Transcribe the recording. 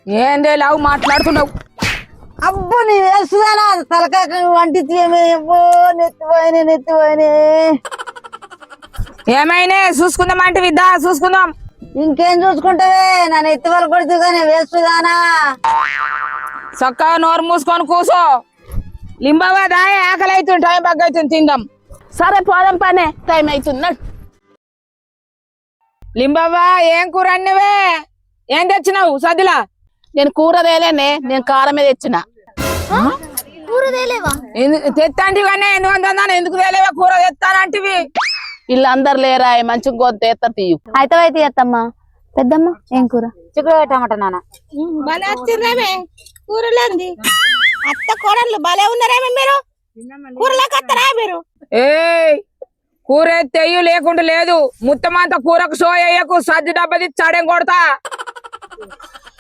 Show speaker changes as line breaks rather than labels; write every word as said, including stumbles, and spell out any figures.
ఏందే లావు మాట్లాడుతున్నావు?
అబ్బో నీ వేస్తుందానా తలకాయ వంటికి ఏమో నెత్తిపోయినా నెత్తిపోయినా
ఏమైనా చూసుకుందాం విద్దా చూసుకుందాం.
ఇంకేం చూసుకుంటావే నా నెత్తి వాళ్ళు కొడుతు కానీ వేస్తుందానా
చక్కగా నోరు మూసుకొని కూసో. లింబావా దాయ ఆకలి అవుతుంది, టైం బాగా అవుతుంది, తిందాం.
సరే పోదాం పనే టైం అవుతున్నాడు.
లింబావా ఏం కూర అన్నవే? ఏం తెచ్చినావు సదిలా?
నేను కూర తేలేనే, నేను కారమే తెచ్చిన.
కూర తేలేవా?
తెత్తాంటివన్నీ ఎందుకు ఎందుకు తేలేవా? కూర తెస్తానంటివి.
వీళ్ళందరు లేరా మంచిగా గోత తెస్తారు తీయు.
అయితే అయితే అత్తమ్మ. పెద్దమ్మ ఏం కూర?
చిక్కుడు టమాటా నాన్న.
భలే వచ్చిర్రేమే కూరలేంది. అత్త కోడళ్ళు భలే ఉన్నారేమే మీరు. కూరలోకి వస్తారా మీరు?
ఏ కూర తెయ్యు లేకుండా లేదు. ముత్తమంత కూరకు సోయకు సజ్జి డబ్బది చాడేం కొడతా.